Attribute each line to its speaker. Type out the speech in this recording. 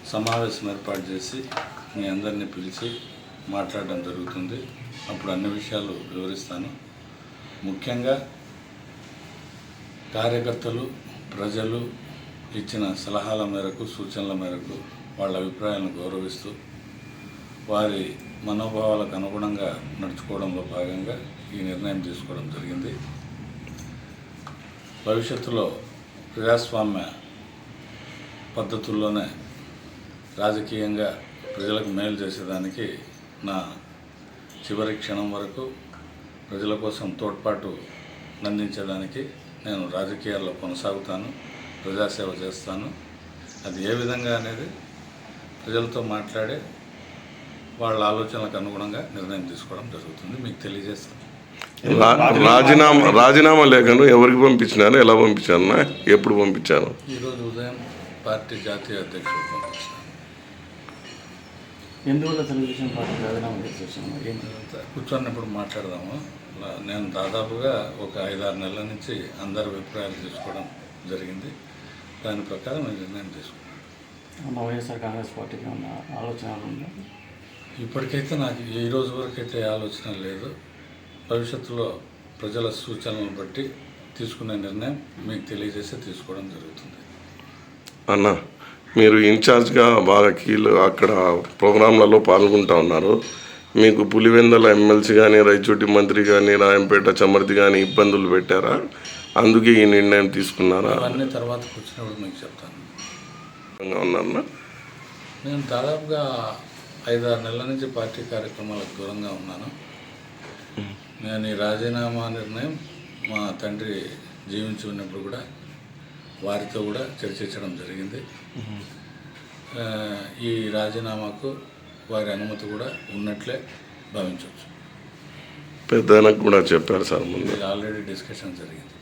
Speaker 1: సమావేశం ఏర్పాటు చేసి మీ అందరినీ పిలిచి మాట్లాడడం జరుగుతుంది. అప్పుడు అన్ని విషయాలు వివరిస్తాను. ముఖ్యంగా కార్యకర్తలు, ప్రజలు ఇచ్చిన సలహాల మేరకు, సూచనల మేరకు వాళ్ళ అభిప్రాయాలను గౌరవిస్తూ వారి మనోభావాలకు అనుగుణంగా నడుచుకోవడంలో భాగంగా ఈ నిర్ణయం తీసుకోవడం జరిగింది. భవిష్యత్తులో ప్రజాస్వామ్య పద్ధతుల్లోనే రాజకీయంగా ప్రజలకు మేలు చేసేదానికి నా చివరి క్షణం వరకు ప్రజల కోసం తోడ్పాటు అందించేదానికి నేను రాజకీయాల్లో కొనసాగుతాను, ప్రజాసేవ చేస్తాను. అది ఏ విధంగా అనేది ప్రజలతో మాట్లాడే వాళ్ళ ఆలోచనలకు అనుగుణంగా నిర్ణయం తీసుకోవడం జరుగుతుంది. మీకు తెలియజేస్తాను.
Speaker 2: రాజీనామా లేఖను ఎవరికి పంపించినారు, ఎలా పంపించారు, ఎప్పుడు పంపించాను?
Speaker 1: ఈరోజు ఉదయం పార్టీ జాతీయ అధ్యక్షుడు పంపించాను.
Speaker 3: ఎందువల్ల తెలుగుదేశం పార్టీ రాజీనామా చేసేసాము?
Speaker 1: కూర్చొన్నప్పుడు మాట్లాడదాము. నేను దాదాపుగా ఒక 5-6 నెలల నుంచి అందరి అభిప్రాయాలు తీసుకోవడం జరిగింది. దాని ప్రకారం నేను నిర్ణయం తీసుకున్నాను.
Speaker 3: వైఎస్ఆర్ కాంగ్రెస్ పార్టీకి ఉన్న ఆలోచన ఉందా?
Speaker 1: ఇప్పటికైతే నాకు ఈ రోజు వరకు అయితే ఆలోచన లేదు. భవిష్యత్తులో ప్రజల సూచనలను బట్టి తీసుకునే నిర్ణయం మీకు తెలియజేసి తీసుకోవడం జరుగుతుంది.
Speaker 2: అన్న, మీరు ఇన్ఛార్జ్గా బాగా అక్కడ ప్రోగ్రాంలలో పాల్గొంటూ ఉన్నారు. మీకు పులివెందల ఎమ్మెల్సీ కానీ, రాయచోటి మంత్రి కానీ, రాయంపేట చమర్తి కానీ ఇబ్బందులు పెట్టారా? అందుకే ఈ నిర్ణయం తీసుకున్నారా?
Speaker 1: అవన్నీ తర్వాత కూర్చున్నప్పుడు మీకు చెప్తాను.
Speaker 2: ఉన్నారన్నా,
Speaker 1: నేను దాదాపుగా 5-6 నెలల నుంచి పార్టీ కార్యక్రమాలకు దూరంగా ఉన్నాను. నేను ఈ రాజీనామా నిర్ణయం మా తండ్రి జీవించి ఉన్నప్పుడు కూడా వారితో కూడా చర్చించడం జరిగింది. ఈ రాజీనామాకు వారి అనుమతి కూడా ఉన్నట్లే భావించవచ్చు.
Speaker 2: పెద్దనకు కూడా చెప్పారు సార్, ముందు
Speaker 1: ఆల్రెడీ డిస్కషన్ జరిగింది.